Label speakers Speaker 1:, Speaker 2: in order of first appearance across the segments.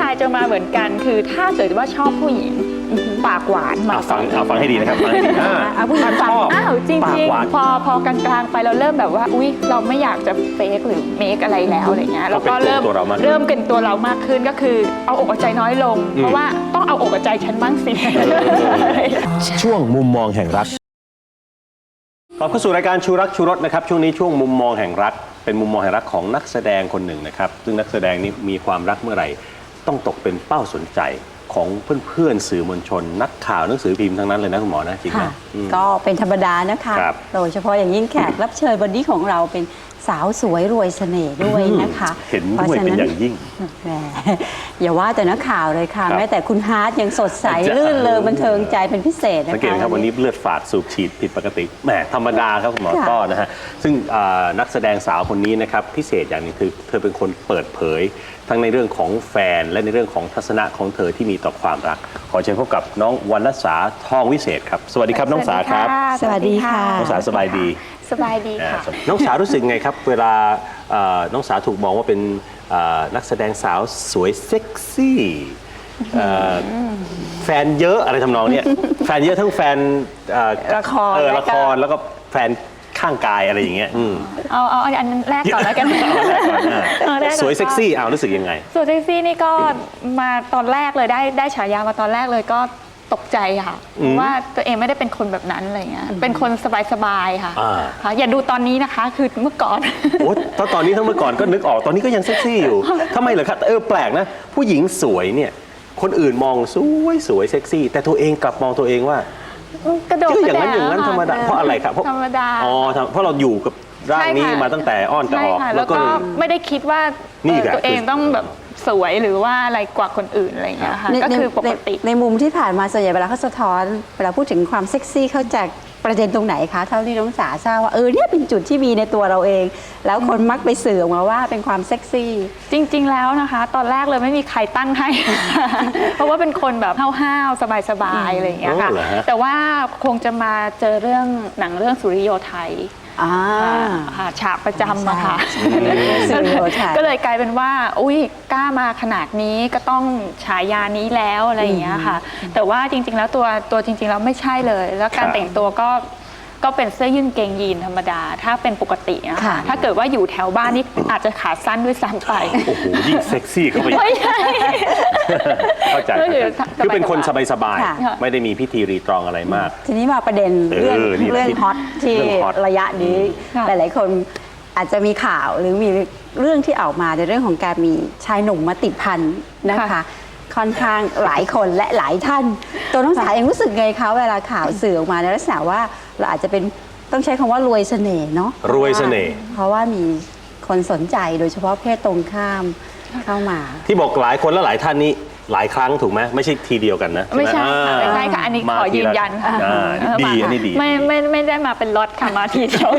Speaker 1: ายจะมาเหมือนกันคือถ้าเกิดว่าชอบผู้หญิงปากหวานมา
Speaker 2: ฟังให้ดีนะครับฟังให้ดี
Speaker 1: ผู้หญิงฟังจริงๆพอกลางๆไปเราเริ่มแบบว่าอุ๊ยเราไม่อยากจะเฟกหรือเมคอะไรแล้วอะไรเงี้ยเราก็เริ่มเป็นตัวเรามากขึ้นก็คือเอาอกเอาใจน้อยลงเพราะว่าต้องเอาอกเอาใจฉันบ้างสิ
Speaker 2: ช่วงมุมมองแห่งรักขอบเข้าสู่รายการชูรักชูรสนะครับช่วงนี้ช่วงมุมมองแห่งรักเป็นมุมมองแห่งรักของนักแสดงคนหนึ่งนะครับซึ่งนักแสดงนี้มีความรักเมื่อไหร่ต้องตกเป็นเป้าสนใจของเพื่อนๆสื่อมวลชนนักข่าวหนังสือพิมพ์ทั้งนั้นเลยนะคุณหมอนะจริงไหม
Speaker 3: ก็เป็นธรรมดานะคะโดยเฉพาะอย่างยิ่งแขกรับเชิญวันนี้ของเราเป็นสาวสวยรวยเสน่ห์ด้วยนะคะ
Speaker 2: เห็นด้วยเป็นอย่างยิ่ง
Speaker 3: อย่าว่าแต่นักข่าวเลยค่ะแม้แต่คุณฮาร์ดยังสดใสลื่นเลงบันเทิงใจเป็นพิเศษนะคะ
Speaker 2: สังเกตครับวันนี้เลือดฝาดสูบฉีดผิดปกติแหมธรรมดาครับคุณหมอต้อนะฮะซึ่งนักแสดงสาวคนนี้นะครับพิเศษอย่างนึงคือเธอเป็นคนเปิดเผยทั้งในเรื่องของแฟนและในเรื่องของทัศนะของเธอที่มีต่อความรักขอเชิญพบกับน้องวรรณสาทองวิเศษครับสวัสดีครับน้องสาครับ
Speaker 3: สวัสดีค่ะ
Speaker 2: น้องสาสบายดี
Speaker 1: สบายดีค่ะ
Speaker 2: น้องสารู้สึกไงครับเวลาน้องสาถูกมองว่าเป็นนักแสดงสาวสวยเซ็กซี่แฟนเยอะอะไรทำนองเนี้ยแฟนเยอะทั้งแฟน
Speaker 3: ละคร
Speaker 2: แล้วก็แฟนข้างกายอะไรอย่างเงี้ย
Speaker 1: เอาอันแรกก่อนแล้วกัน
Speaker 2: สวยเซ็กซี่รู้สึกยังไง
Speaker 1: สวยเซ็กซี่นี่ก็มาตอนแรกเลยได้ฉายามาตอนแรกเลยก็ตกใจค่ะว่าตัวเองไม่ได้เป็นคนแบบนั้นอะไรเงี้ยเป็นคนสบายๆค่ะอย่าดูตอนนี้นะคะคือเมื่อก่อน
Speaker 2: โอ้ตอนนี้ทั้งเมื่อก่อนก็นึกออกตอนนี้ก็ยังเซ็กซี่อยู่ทำไมเหรอครับแปลกนะผู้หญิงสวยเนี่ยคนอื่นมองสวยเซ็กซี่แต่ตัวเองกลับมองตัวเองว่าก
Speaker 1: ระโดด
Speaker 2: อย่างนั้นธรรมดาเพราะอะไรครับ
Speaker 1: ธรรมดา
Speaker 2: เพราะเราอยู่กับร่างนี้มาตั้งแต่อ้อนแต่ออก
Speaker 1: แล้วก็ไม่ได้คิดว่าตัวเองต้องแบบสวยหรือว่าอะไรกว่าคนอื่นอะไรอย่างเงี้ยค่ะก็คือปกติ
Speaker 3: ในมุมที่ผ่านมาส่วนใหญ่เวลาเขาสะท้อนเวลาพูดถึงความเซ็กซี่เขาจะประเด็นตรงไหนคะเท่าที่น้องสาทราบว่าเนี่ยเป็นจุดที่มีในตัวเราเองแล้วคนมักไปสื่อออกมาว่าเป็นความเซ็กซี่
Speaker 1: จริงๆแล้วนะคะตอนแรกเลยไม่มีใครตั้งให้ เพราะว่าเป็นคนแบบห้าวๆสบายๆอะไรอย่างเงี้ยค่ะแต่ว่าคงจะมาเจอเรื่องหนังเรื่องสุริโยไทยฉากประจำอะค่ะก็เลยกลายเป็นว่าอุ้ยกล้ามาขนาดนี้ก็ต้องฉายานี้แล้วอะไรอย่างเงี้ยค่ะแต่ว่าจริงๆแล้วตัวจริงๆแล้วไม่ใช่เลยแล้วการแต่งตัวก็เป็นเสื้อยืดเกงยีนธรรมดาถ้าเป็นปกตินะคะถ้าเกิดว่าอยู่แถวบ้านนี่อาจจะขาสั้นด้วยซ้ำไป
Speaker 2: โอ้โหยิ่งเซ็กซี่เข้าไปเข้าใจคือเป็นคนสบายๆไม่ได้มีพิธีรีตรองอะไรมาก
Speaker 3: ทีนี้มาประเด็นเรื่องฮอตที่ระยะนี้หลายๆคนอาจจะมีข่าวหรือมีเรื่องที่ออกมาในเรื่องของการมีชายหนุ่มมาติดพันนะคะค่อนข้างหลายคนและหลายท่านตัวน้องสาเองรู้สึกไงคะเวลาข่าวสื่อออกมาในลักษณะว่าเราอาจจะเป็นต้องใช้คำว่ารวยเสน่ห์เนาะ
Speaker 2: รวยเสน่ห์
Speaker 3: เพราะว่ามีคนสนใจโดยเฉพาะเพศตรงข้ามเข้ามา
Speaker 2: ที่บอกหลายคนและหลายท่านนี้หลายครั้งถูกไหมไม่ใช่ทีเดียวกันนะ
Speaker 1: ไม่ใช่ค่ะอันนี้ขอยืนยันค่ะ
Speaker 2: ดีอันนี้ดี
Speaker 1: ไม่ได้มาเป็นล็อตค่ะมาทีเดียว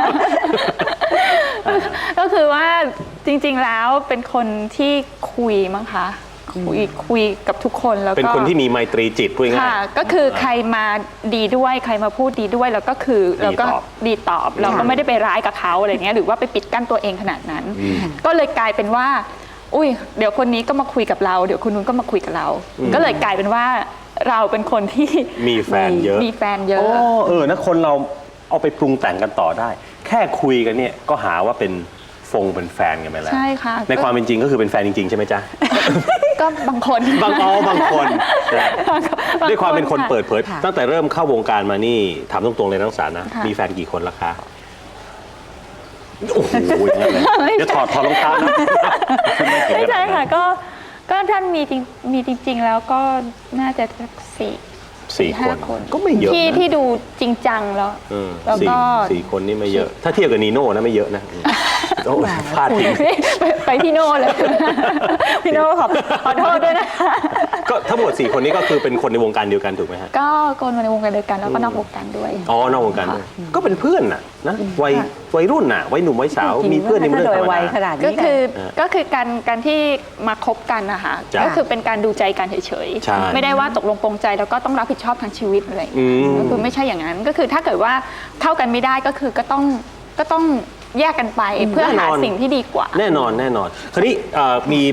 Speaker 1: ก็คือว่าจริงๆแล้วเป็นคนที่คุยมั้งคะคุยกับทุกคนแล้วก็
Speaker 2: เป็นคนที่มีไมตรีจิตพูดง่าย
Speaker 1: ก็คือใครมาดีด้วยใครมาพูดดีด้วยแล้วก็คือเราก็ดีตอบเราก็ไม่ได้ไปร้ายกับเขาอะไรเงี้ยหรือว่าไปปิดกั้นตัวเองขนาดนั้นก็เลยกลายเป็นว่าอุ้ยเดี๋ยวคนนี้ก็มาคุยกับเราเดี๋ยวคนนู้นก็มาคุยกับเราก็เลยกลายเป็นว่าเราเป็นคนที่
Speaker 2: มีแฟนเยอะนะคนเราเอาไปปรุงแต่งกันต่อได้แค่คุยกันเนี่ยก็หาว่าเป็นแฟนกันไปแล้ว
Speaker 1: ใช่ค่ะ
Speaker 2: ในความเป็นจริงก็คือเป็นแฟนจริงๆใช่ไหมจ๊ะ
Speaker 1: ก็บางคน
Speaker 2: บางคนด้วยความเป็นคนเปิดเผยตั้งแต่เริ่มเข้าวงการมานี่ถามตรงๆเลยน้องสารนะมีแฟนกี่คนละคะโอ้โหเดี๋ยวถอดรองเท้านะ
Speaker 1: ไม่ใช่ค่ะก็ท่านมีจริงๆแล้วก็น่าจะ4-5 คน
Speaker 2: ก็ไม่เยอะ
Speaker 1: ที่ดูจริงจังแล้ว
Speaker 2: ก็4 คนนี่ไม่เยอะถ้าเทียบกับนีโน่นะไม่เยอะนะพลาดทิ้ง
Speaker 1: ไปพี่โน่เลยพี่โน่ขอโทษด้วยนะ
Speaker 2: ก็ทั้งหมด4 คนนี้ก็คือเป็นคนในวงการเดียวกันถูกไหมฮะ
Speaker 1: ก็คนในวงการเดียวกันแล้วก็นอกวงการด้วย
Speaker 2: นอกวงการด้วยก็เป็นเพื่อนนะวัยรุ่นน่ะวัยหนุ่มวัยสาวมีเพื่อนในเรื่องธรรมดา
Speaker 1: ก็คือการที่มาคบกันนะคะก็คือเป็นการดูใจกันเฉยๆไม่ได้ว่าตกลงปรงใจแล้วก็ต้องรับผิดชอบทางชีวิตอะไรก็คือไม่ใช่อย่างนั้นก็คือถ้าเกิดว่าเข้ากันไม่ได้ก็คือก็ต้องแยกกันไปเพื่อหาสิ่งที่ดีกว่า
Speaker 2: แน่นอนคราวนี้มี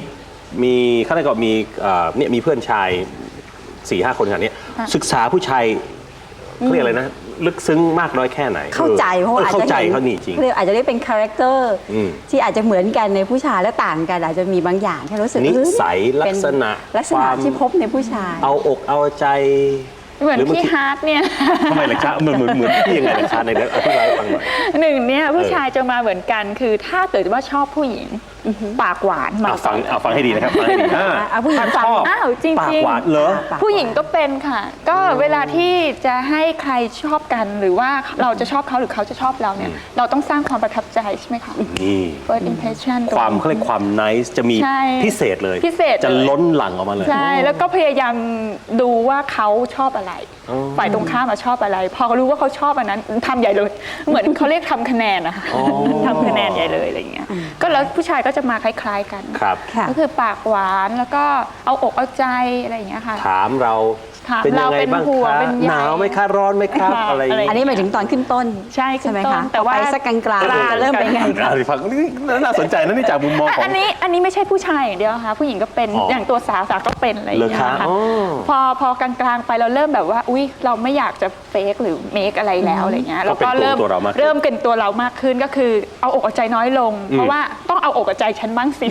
Speaker 2: มีข้างในก็มีเนี่ยมีเพื่อนชาย 4-5 คนขนาดนี้ศึกษาผู้ชายเขาเรียกอะไรนะลึกซึ้งมากน้อยแค่ไหน
Speaker 3: เข้าใจเพราะว่าอาจ
Speaker 2: เข้า
Speaker 3: จะ
Speaker 2: ใจ
Speaker 3: เห็น
Speaker 2: เขานี่จริง
Speaker 3: เรียกอาจจะได้เป็นคาแรคเตอร์ที่อาจจะเหมือนกันในผู้ชายและต่างกันอาจจะมีบางอย่างที่รู้สึก
Speaker 2: นิสัย
Speaker 3: เป็น
Speaker 2: ลักษณะ
Speaker 3: ลักษณะ
Speaker 2: ความ
Speaker 3: ที่พบในผู้ชาย
Speaker 2: เอาอกเอาใจ
Speaker 1: เหมือน
Speaker 2: หรือบาง
Speaker 1: พี่
Speaker 2: ที
Speaker 1: ฮาร์ดเนี่ย
Speaker 2: ทำไมล่ะคะเหมือนพี่ยังไงล่ะคะในนั้นอธิบายให้ฟังหน่อย
Speaker 1: หนึ่งเนี่ยผู้ชายจะมาเหมือนกันคือถ้าเกิดว่าชอบผู้หญิงปากหวานมา
Speaker 2: ฟังให้ดีนะครับฟังให้ดี
Speaker 3: เอาผู้หญิง
Speaker 2: ถ้า
Speaker 3: ฟัง
Speaker 2: ชอบ
Speaker 1: อ้าวจริงๆ
Speaker 2: ปากหวานเหรอ
Speaker 1: ผู้หญิงก็เป็นค่ะ ก็เวลาที่จะให้ใครชอบกันหรือว่าเราจะชอบเขาหรือเขาจะชอบเราเนี่ยเราต้องสร้างความประทับใจใช่ไหมคะ
Speaker 2: นี่
Speaker 1: first impression
Speaker 2: ความเขาเรียกความ nice จะมี
Speaker 1: ใช่
Speaker 2: พิเศษเลย
Speaker 1: พิเศษเลย
Speaker 2: จะล้นหลั่งออกมาเลย
Speaker 1: ใช่แล้วก็พยายามดูว่าเขาชอบอะไร
Speaker 2: อ๋อ
Speaker 1: ฝ่ายตรงข้ามมาชอบอะไร พอเขารู้ว่าเขาชอบอันนั้นทำใหญ่เลย เหมือนเขาเรียกทำคะแนนนะคะ
Speaker 2: อ๋อ
Speaker 1: ทำคะแนนใหญ่เลยอะไรอย่างเงี้ยก็แล้วผู้ชายก็จะมาคล้ายๆกัน
Speaker 2: ครับ
Speaker 3: ค่ะ
Speaker 1: ก็คือปากหวานแล้วก็เอาอกเอาใจอะไรอย่างเงี้ยค่ะ
Speaker 2: ถามเรา
Speaker 1: ถาม
Speaker 2: เป็นยังไง
Speaker 1: เราเป็น
Speaker 2: บ้าง
Speaker 1: ห่วง
Speaker 2: คะ
Speaker 1: เป็นใย
Speaker 2: หนาวไหมคะร้อนไหมครับ
Speaker 1: ค่ะ
Speaker 2: อะไรอย่าง
Speaker 3: อัน
Speaker 2: เงี้ย
Speaker 3: นี้หมายถึงตอนขึ้นต้น
Speaker 1: ใช่ขึ้น
Speaker 3: ไหม
Speaker 1: ต้น
Speaker 3: คะ
Speaker 1: แต่ว่า
Speaker 3: พอไปสักกลางๆจะเริ่มเป็นไงคะ
Speaker 2: ฟังนี่น่าสนใจนะนี่จากมุมมองของ
Speaker 1: อันนี้ไม่ใช่ผู้ชายอย่างเดียวค่ะผู้หญิงก็เป็น
Speaker 2: อ๋อ
Speaker 1: อย่างตัวสาวก็เป็นอะไรอย่างเงี้ย
Speaker 2: เหรอคะ
Speaker 1: ค่ะ
Speaker 2: อ๋อ
Speaker 1: พอกลางๆไปเราเริ่มแบบว่าอุ๊ยเราไม่อยากจะเฟกหรือเมคอะไรแล้วอะไรเงี้ยเราก็เริ่ม
Speaker 2: ตัวเรามากขึ้น
Speaker 1: เริ่มเป็นตัวเรามากขึ้นก็คือเอาอกเอาใจน้อยลง เพราะว่าต้องเอาอกเอาใจฉันบ้างสิ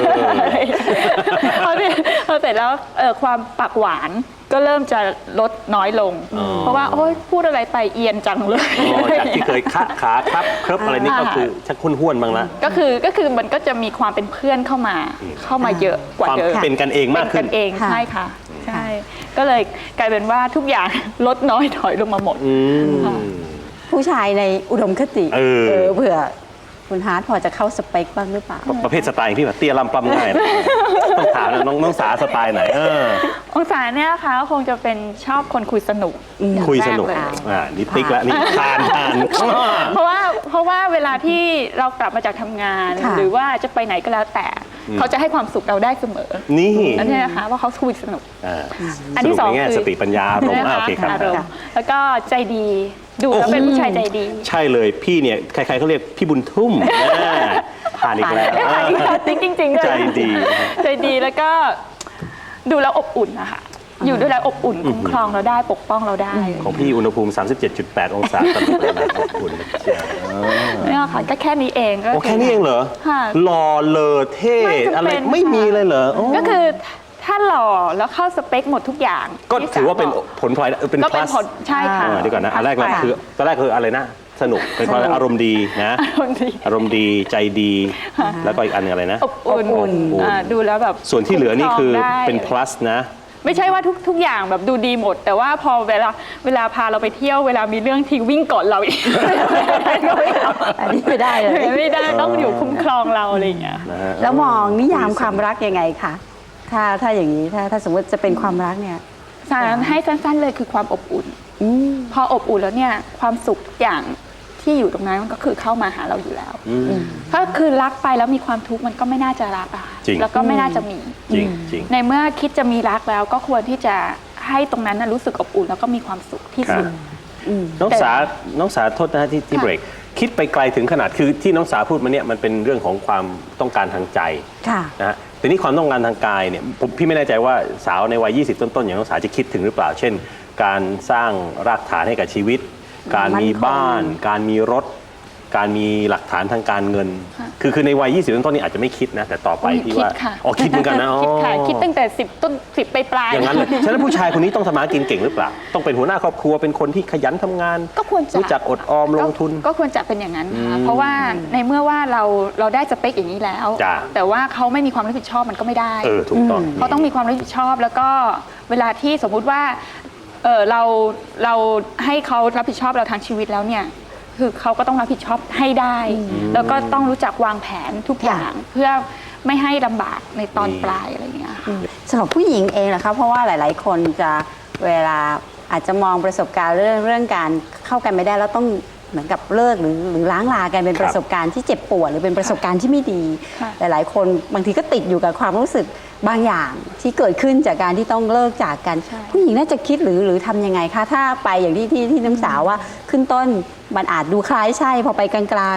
Speaker 1: พอเสร็จแล้วความปากหวานก็เริ่มจะลดน้อยลง เพราะว่าโอ๊ยพูดอะไรไปเอียนจังเลย
Speaker 2: อ๋อจากที่เคยคะขาครับครบอะไรนี่ก็คือชักห้วนๆบ้างละ
Speaker 1: ก็คือมันก็จะมีความเป็นเพื่อนเข้ามาเยอะกว่า
Speaker 2: ความ
Speaker 1: เดิม
Speaker 2: เป็นกันเองมากขึ้น
Speaker 1: เป็นกันเอง
Speaker 3: ค่ะ
Speaker 1: ใช่ค่ะใช่ ก็เลยกลายเป็นว่าทุกอย่าง ลดน้อยถอยลงมาหมด ค่ะ
Speaker 3: ผู้ชายในอุดมคติ
Speaker 2: เออ
Speaker 3: เผื่อคุณฮาร์ดพอจะเข้าสเปคบ้างหรือเปล่า
Speaker 2: ประเภทสไตล์ที่แบบเตี้ยลำปล้ำง่ายนะต้องถามนะน้องสาสไตล์ไหน
Speaker 1: องศาเนี่ยนะคะคงจะเป็นชอบคนคุยสนุกอย่าง
Speaker 2: คุยสนุก
Speaker 1: แรเลย
Speaker 2: นี่ติ๊กแล้วนี่ทาน
Speaker 1: เพราะว่าเวลาที่เรากลับมาจากทำงาน
Speaker 3: ค่ะ
Speaker 1: หรือว่าจะไปไหนก็แล้วแต่ เขาจะให้ความสุขเราได้เสมอ
Speaker 2: นี่
Speaker 1: นั่นเองนะคะว่าเขาคุยสนุก อัน
Speaker 2: ส
Speaker 1: ที่
Speaker 2: รุป
Speaker 1: สอง
Speaker 2: ในแง่
Speaker 1: คือ
Speaker 2: สติปัญญาอารมณ์
Speaker 1: ใช่ไหม
Speaker 2: โอเคครับ
Speaker 1: อารมณ์แล้วก็ใจดีดูแล้วเป็นผู้ชายใจดี
Speaker 2: ใช่เลยพี่เนี่ยใครๆเขาเรียกพี่บุญทุ่มผ่านอีกแล้ว
Speaker 1: จริงๆด้วย
Speaker 2: ใจดี
Speaker 1: ใจดีแล้วก็ดูแล้วอบอุ่นนะคะอยู่ด้วยแล้วอบอุ่นคุ้มครองเราได้ปกป้องเราได้
Speaker 2: ของพี่อุณหภูมิ 37.8 องศาตลอดเวลาอบอุ่นนะเชียว
Speaker 1: เนี่ยค่ะก็แค่นี้เองก็
Speaker 2: โอ้แค่นี้เองเหรอ
Speaker 1: ค่ะ
Speaker 2: หล่อเลอเท่
Speaker 1: ไม่จำเป็น
Speaker 2: อะไรไม่มีเลยเหรอโอ้
Speaker 1: ก็คือถ้าหล่อแล้วเข้าสเปคหมดทุกอย่าง
Speaker 2: ก็
Speaker 1: ที่
Speaker 2: ถือว่าเป็น
Speaker 1: สบก
Speaker 2: ผลพลอยเป็น
Speaker 1: ก็เป็น
Speaker 2: plus
Speaker 1: ผลใช่ค่ะ
Speaker 2: เดี๋ยวก่อนนะอันแรกเลย
Speaker 1: ค่ะ
Speaker 2: คือตอนแรกคืออะไรนะสนุกเป็นเพราะอารมณ์ดีนะ
Speaker 1: อารมณ์ดี
Speaker 2: อารมณ์ดีใจดี แล้วก็อีกอันหนึงอะไรนะ
Speaker 1: อบอุ่น
Speaker 2: อบอุ่น
Speaker 1: ดูแล้วแบบ
Speaker 2: ส่วนที่เหลือนี่คือ
Speaker 1: คุ้มรองได้
Speaker 2: เป็น plus นะ
Speaker 1: ไม่ใช่ว่าทุกอย่างแบบดูดีหมด แต่ว่าพอเวลาพาเราไปเที่ยวเวลามีเรื่องทีวิ่งก่อนเราอีก
Speaker 3: อันนี้ไม่ได้เลย
Speaker 1: ไม่ได้ต้องอยู่คุ้มครองเราอะไรอย่างเงี้ย
Speaker 3: แล้วมองนิยามความรักยังไงคะถ้าอย่างนี้ถ้าสมมติจะเป็นความรักเนี่ย
Speaker 1: สารให้สั้นๆเลยคือความอบอุ่นพออบอุ่นแล้วเนี่ยความสุขทุกอย่างที่อยู่ตรงนั้นมันก็คือเข้ามาหาเราอยู่แล้วถ้าคือรักไปแล้วมีความทุกข์มันก็ไม่น่าจะรักอะค่ะ
Speaker 2: จริง
Speaker 1: แล้วก็ไม่น่าจะมี
Speaker 2: จริงจริง
Speaker 1: ในเมื่อคิดจะมีรักแล้วก็ควรที่จะให้ตรงนั้นนะรู้สึกอบอุ่นแล้วก็มีความสุขที่สุด
Speaker 2: น้องสาโทษนะฮะที่
Speaker 1: ค่ะ
Speaker 2: เบรกคิดไปไกลถึงขนาดคือที่น้องสาพูดมาเนี่ยมันเป็นเรื่องของความต้องการทางใจ
Speaker 3: ค่ะ
Speaker 2: นะฮะแต่นี่ความต้องการทางกายเนี่ยพี่ไม่แน่ใจว่าสาวในวัย 20 ต้นๆอย่างน้องสาจะคิดถึงหรือเปล่า เช่น การสร้างรากฐานให้กับชีวิต การมีบ้าน การมีรถ การมีหลักฐานทางการเงิน คือในวัย 20 ต้นๆนี่อาจจะไม่คิดนะแต่ต่อไปพี่ว่า
Speaker 1: คิดค่ะ
Speaker 2: อ๋อคิดเหมือนกันนะอ๋อ
Speaker 1: คิดค่ะคิดตั้งแต่10 ปลายๆ
Speaker 2: อย่างนั้นเลยฉะนั้นผู้ชายคนนี้ต้องทำมาหากินเก่งหรือเปล่า ต้องเป็นหัวหน้าครอบครัว เป็นคนที่ขยันทำงาน
Speaker 1: ก็ควรจะ
Speaker 2: รู้จักอดออมลงทุน
Speaker 1: ก็ควรจะเป็นอย่างนั้นค่ะเพราะว่าในเมื่อว่าเราได้สเปคอย่างนี้แล้ว
Speaker 2: จ้ะ
Speaker 1: แต่ว่าเขาไม่มีความรับผิดชอบมันก็ไม่ได้
Speaker 2: ถูกต้อง
Speaker 1: เขาต้องมีความรับผิดชอบแล้วก็เวลาที่สมมุติว่าเราให้เขารับผิดชอบเราทางชีวิตแล้วเนี่ยคือเขาก็ต้องรับผิดชอบให้ได้ แล้วก็ต้องรู้จักวางแผนทุกอย่างเพื่อไม่ให้ลำบากในตอนปลายอะไรอย่างเงี้ยค่ะ
Speaker 3: สำหรับผู้หญิงเองนะคะเพราะว่าหลาย ๆ คนจะเวลาอาจจะมองประสบการณ์เรื่องการเข้ากันไม่ได้แล้วต้องเหมือนกับเลิกหรือล้างลากันเป็นประสบการณ์ที่เจ็บปวดหรือเป็นประสบการณ์ที่ไม่ดี
Speaker 1: ค่ะ
Speaker 3: หลาย ๆ คนบางทีก็ติดอยู่กับความรู้สึกบางอย่างที่เกิดขึ้นจากการที่ต้องเลิกจากกัน ผู้หญิงน่าจะคิดหรือทำยังไงคะถ้าไปอย่างที่น้ำสาวว่าขึ้นต้นมันอาจดูคล้ายใช่พอไปกลาง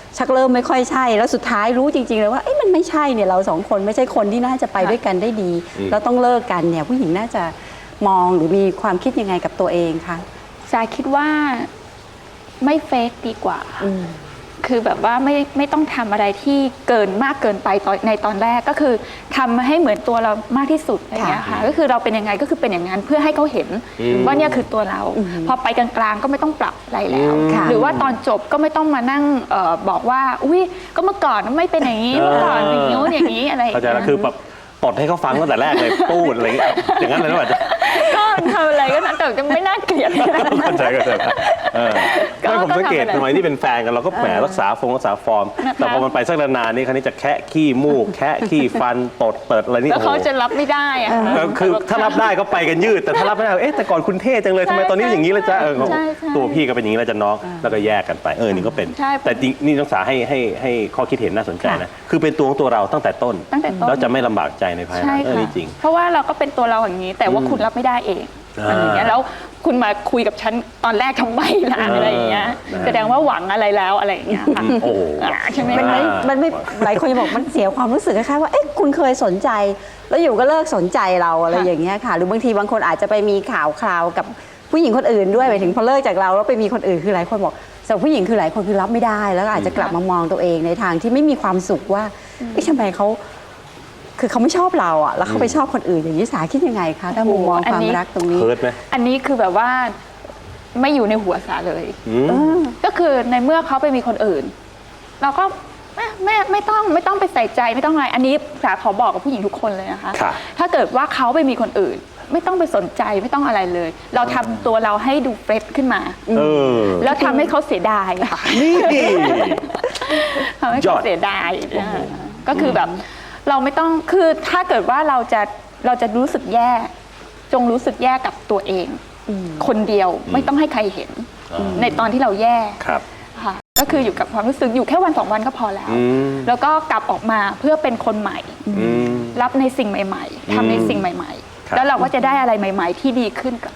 Speaker 3: ชักเริ่มไม่ค่อยใช่แล้วสุดท้ายรู้จริงๆเลยว่ามันไม่ใช่เนี่ยเราสองคนไม่ใช่คนที่น่าจะไปด้วยกันได้ดีแล้วต้องเลิกกันเนี่ยผู้หญิงน่าจะมองหรือมีความคิดยังไงกับตัวเองคะ
Speaker 1: สาคิดว่าไม่เฟกดีกว่าคือแบบว่าไม่ต้องทำอะไรที่เกินมากเกินไปในตอนแรกก็คือทำให้เหมือนตัวเรามากที่สุดอะไรอย่างเงี้ยค่ะก็คือเราเป็นยังไงก็คือเป็นอย่างนั้นเพื่อให้เขาเห็นว่าเนี่ยคือตัวเราพอไปกลางๆก็ไม่ต้องปรับอะไรแล้วหรือว่าตอนจบก็ไม่ต้องมานั่งบอกว่าอุ้ยก็เมื่อก่อนไม่เป็นอย่างนี้เมื่อก่อนอย่างนี้อย่างนี้อะไร
Speaker 2: เข้าใจแล้วคือแบบตดให้เขาฟังตั้งแต่แรกเลยปูดอะไรอย่างนั้นเลยหรือเปล่า
Speaker 1: ก็ทำอะไรก็นั้นแต่จะไม่น่าเกลียด
Speaker 2: เข้าใจไม่ผมสังเกตทำไมที่เป็นแฟนกันเราก็แหมรักษาฟอร์มแต่พอมันไปสักนานๆนี่คราวนี้จะแคะขี้มูกแคะขี้ฟันตดเปิดอะไรนี่
Speaker 1: แล้วเขาจะรับไม่ได้อะ
Speaker 2: คือถ้ารับได้ก็ไปกันยืดแต่ถ้ารับไม่ได้แต่ก่อนคุณเท่จังเลยทำไมตอนนี้อย่างนี้เลยจ้ะตัวพี่ก็เป็นอย่างนี้แล้วจะน้องแล้วก็แยกกันไปนี่ก็เป็นแต่จริงนี่นักศึกษาให้ข้อคิดเห็นน่าสนใจนะคือเป็นตัวของตัวเราตั้งแต่ต้นแล้วจะไม่ลำบากใจในภายหลังนี่จริง
Speaker 1: เพราะว่าเราก็เป็นตัวเราอย่างนี้แต่ว่าคุณรับไม่ได้เองอะไรอย่างเงี้ยแล้วคุณมาคุยกับฉันตอนแรกทำไมล่ะอะไรอย่างเงี้ยแสดงว่าหวังอะไรแล้วอะไรอย่างเงี้ยค่ะใช่ไหม
Speaker 3: มันไม่หลายคนจะบอกมันเสียความรู้สึกคล้ายๆว่าคุณเคยสนใจแล้วอยู่ก็เลิกสนใจเราอะไรอย่างเงี้ยค่ะหรือบางทีบางคนอาจจะไปมีข่าวคราวกับผู้หญิงคนอื่นด้วยไปถึงพอเลิกจากเราแล้วไปมีคนอื่นคือหลายคนบอกสำหรับผู้หญิงคือหลายคนคือรับไม่ได้แล้วอาจจะกลับมามองตัวเองในทางที่ไม่มีความสุขว่าทำไมเขาคือเขาไม่ชอบเราอ่ะแล้วเขาไปชอบคนอื่นอย่างนี้สาคิดยังไงคะถ้ามุมมองความรักตรงนี้
Speaker 1: อันนี้คือแบบว่าไม่อยู่ในหัวสาเลยก็คือในเมื่อเขาไปมีคนอื่นเราก็ไม่ต้องไปใส่ใจไม่ต้องอะไรอันนี้สาขอบอกกับผู้หญิงทุกคนเลยนะคะถ้าเกิดว่าเขาไปมีคนอื่นไม่ต้องไปสนใจไม่ต้องอะไรเลยเราทำตัวเราให้ดูเฟรชขึ้นมาแล้วทำให้เขาเสียดายค่ะทำให้เขาเสียดายก็คือแบบเราไม่ต้องคือถ้าเกิดว่าเราจะรู้สึกแย่จงรู้สึกแย่กับตัวเองคนเดียวไม่ต้องให้ใครเห็นในตอนที่เราแย่ค่ะก็คืออยู่กับความรู้สึกอยู่แค่วัน2 วันก็พอแล้วแล้วก็กลับออกมาเพื่อเป็นคนใหม่รับในสิ่งใหม่ๆทำในสิ่งใหม่ๆแล้วเราก็จะได้อะไรใหม่ๆที่ดีขึ้นกับ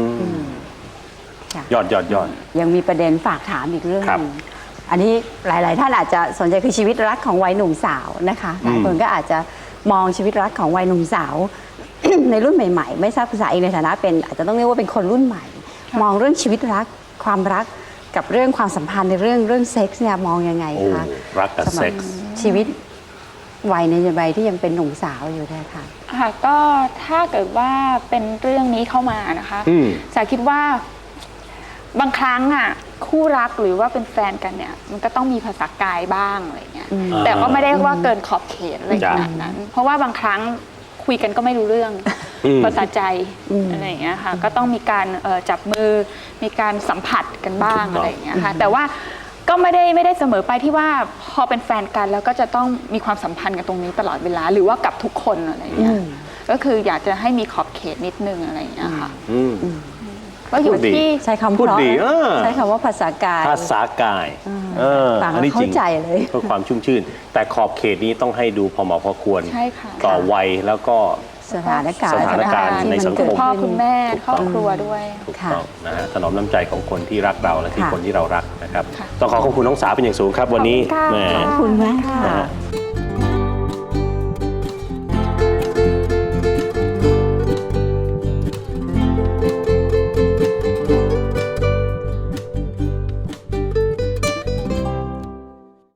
Speaker 2: ยอด
Speaker 3: ยังมีประเด็นฝากถามอีกเรื่องนึงอันนี้หลายๆท่านอาจจะสนใจคือชีวิตรักของวัยหนุ่มสาวนะคะหลายคนก็อาจจะมองชีวิตรักของวัยหนุ่มสาว ในรุ่นใหม่ๆไม่ทราบภาษาเองในฐานะเป็นอาจจะต้องเรียกว่าเป็นคนรุ่นใหม่มองเรื่องชีวิตรักความรักกับเรื่องความสัมพันธ์ในเรื่องเซ็กส์เนี่ยมองยังไงคะ
Speaker 2: รักกับเซ็กส์
Speaker 3: ชีวิตวัยในวัยที่ยังเป็นหนุ่มสาวอยู่เนี่ยค่ะ
Speaker 1: ก็ถ้าเกิดว่าเป็นเรื่องนี้เข้ามานะคะสาคิดว่าบางครั้งคู่รักหรือว่าเป็นแฟนกันเนี่ยมันก็ต้องมีภาษากายบ้างอะไรเงี้ยแต่ก็ไม่ได้ว่าเกินขอบเขตอะไรขนาดนั้นเพราะว่าบางครั้งคุยกันก็ไม่รู้เรื่องภาษาใจอะไรอย่างเงี้ยค่ะก็ต้องมีการจับมือมีการสัมผัสกันบ้างอะไรอย่างเงี้ยค่ะแต่ว่าก็ไม่ได้เสมอไปที่ว่าพอเป็นแฟนกันแล้วก็จะต้องมีความสัมพันธ์กันตรงนี้ตลอดเวลาหรือว่ากับทุกคนอะไรอย่างเงี้ยก็คืออยากจะให้มีขอบเขตนิดนึงอะไรอย่างเงี้ยค่ะก็อยู่ที่
Speaker 3: ใช้คำพูดดีใช้คำว่าภาษากาย
Speaker 2: อันนี้จริง
Speaker 3: เลย
Speaker 2: เพื่อความชุ่มชื่นแต่ขอบเขตนี้ต้องให้ดูพอเหมาะพอควรต่อวัยแล้วก็
Speaker 3: สถานการณ์
Speaker 2: ในสังคม
Speaker 1: พ่อคุณแม่ครอบครัวด้วย
Speaker 2: ถูกต้องนะฮะถนอมน้ำใจของคนที่รักเราและที่คนที่เรารักนะครับต้องขอขอบคุณน้องสาวเป็นอย่างสูงครับวันนี้
Speaker 3: ขอบคุณมาก